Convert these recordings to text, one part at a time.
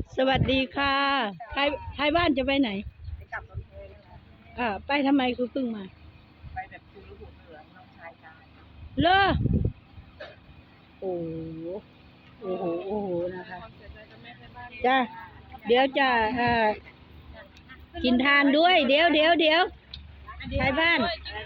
สวัสดีค่ะท้ายบ้านจะไปไหนไปกลับรถเมล์นะคะไปทำไมคุณเพิ่งมาไปแบบจูรุหูเหลืองน้องชายกันเลอโอ้โหโอ้โหโอ้โหนะคะจ้าเดี๋ยวจะกินทานด้วยเดี๋ยวท้ายบ้าน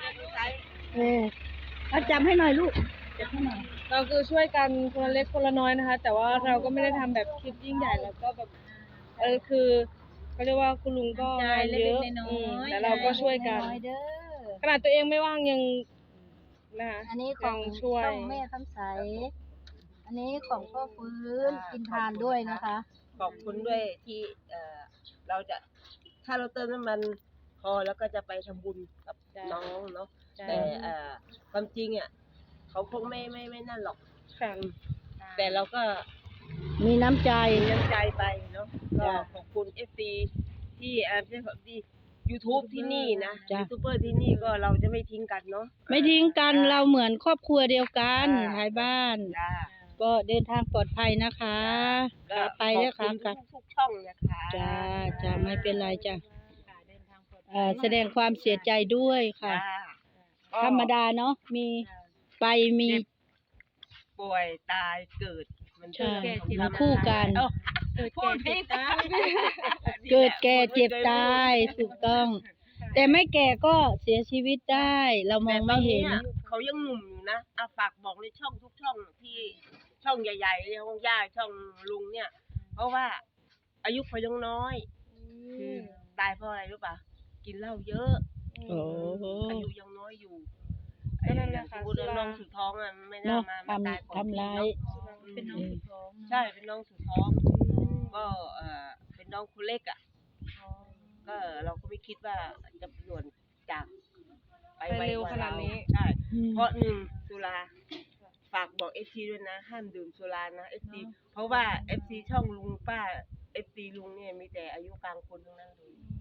เอาจับให้หน่อยลูกจับให้หน่อยเราคือช่วยกันคนละเล็กคนละน้อยนะคะแต่ว่าเราก็ไม่ได้ทำแบบคลิปยิ่งใหญ่แล้วก็แบบคือเขาเรียกว่าคุณลุงก็งานเยอะแต่เราก็ช่วยกันขนาดตัวเองไม่ว่างยังนะคะอันนี้ของช่วยช่องแม่คำใสอันนี้ของพ่อฟื้นกินทานด้วยนะคะขอบคุณด้วยที่เราจะถ้าเราเติมน้ำมันพอแล้วก็จะไปทำบุญกับน้องเนาะแต่ความจริงอ่ะเขาคงไม่นั่นหรอกค่ะแต่เราก็มีน้ำใจมีน้ำใจไปเนาะก็ขอบคุณFDที่ไม่ใช่ขอบคุณYouTube ที่นี่นะยูทูบเบอร์ที่นี่ก็เราจะไม่ทิ้งกันเนาะไม่ทิ้งกันเราเหมือนครอบครัวเดียวกันท้ายบ้านจ้าก็เดินทางปลอดภัยนะคะขาไปแล้วค่ะกลับทุกช่องนะคะจ้าไม่เป็นไรจ้ะแสดงความเสียใจด้วยค่ะ ธรรมดาเนาะมีไปมีป่วยตายเกิดมันใช่มาคู่กันพูดผิดเกิดแก่เจ็บตายถูกต้อง แต่ไม่แก่ก็เสียชีวิตได้ เรามองไม่เห็นเขายังหนุ่มอยู่นะฝากบอกในช่องทุกช่องที่ช่องใหญ่ๆช่องย่าช่องลุงเนี่ย เพราะว่าอายุเขายังน้อยคือตายเพราะอะไรรู้ป่ะกินเหล้าเยอะโอ้โหอายุยังน้อยอยู่ก็นั่นแหละค่ะสมมุติน้องสุดท้องอ่ะไม่น่ามาตายก่อนทำร้ายเป็นน้องสุดท้องใช่เป็นน้องสุดท้องก็เป็นน้องคนเล็กอ่ะก็เราก็ไม่คิดว่าจะด่วนจากไปเร็วขนาดนี้ใช่เพราะหนึ่งสุราฝากบอกFCด้วยนะห้ามดื่มสุรานะ FC เพราะว่า FC ช่องลุงป้า FC ลุงเนี่ยมีแต่อายุกลางคนทั้งนั้นเลย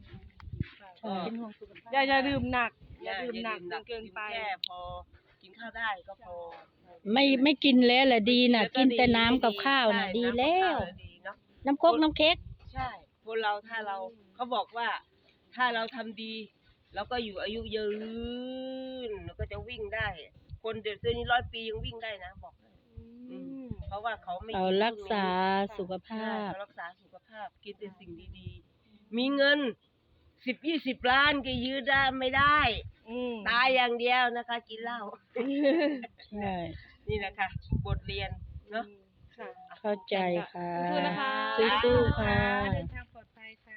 อย่าดื่มหนักอย่าดื่มหนักจนเกินไปแค่พอกินข้าวได้ก็พอไม่กินแล้วแหละดีน่ะ กินแต่น้ำกับข้าวน่ะดีแล้ว น้ำโคกน้ำเค้กใช่คนเราถ้าเราเขาบอกว่าถ้าเราทำดีเราก็อยู่อายุยืนเราก็จะวิ่งได้ คนเดี๋ยวนี้100 ปียังวิ่งได้นะบอกเลยเพราะว่าเขาไม่เรารักษาสุขภาพเขารักษาสุขภาพกินแต่สิ่งดีๆมีเงิน10-20 ล้านก็ยืดได้ไม่ได้ตายอย่างเดียวนะคะ กินเหล้าใช่นี่แหละค่ะบทเรียนเนาะค่ะเข้าใจค่ะสู้ๆนะคะสู้ๆค่ะเดินทางปลอดภัยค่ะ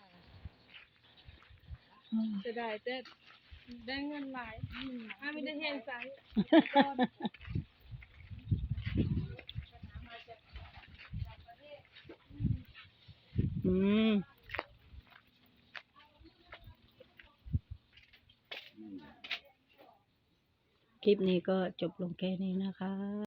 จะได้เงินหลายไม่ได้เห็นใจอืมคลิปนี้ก็จบลงแค่นี้นะคะ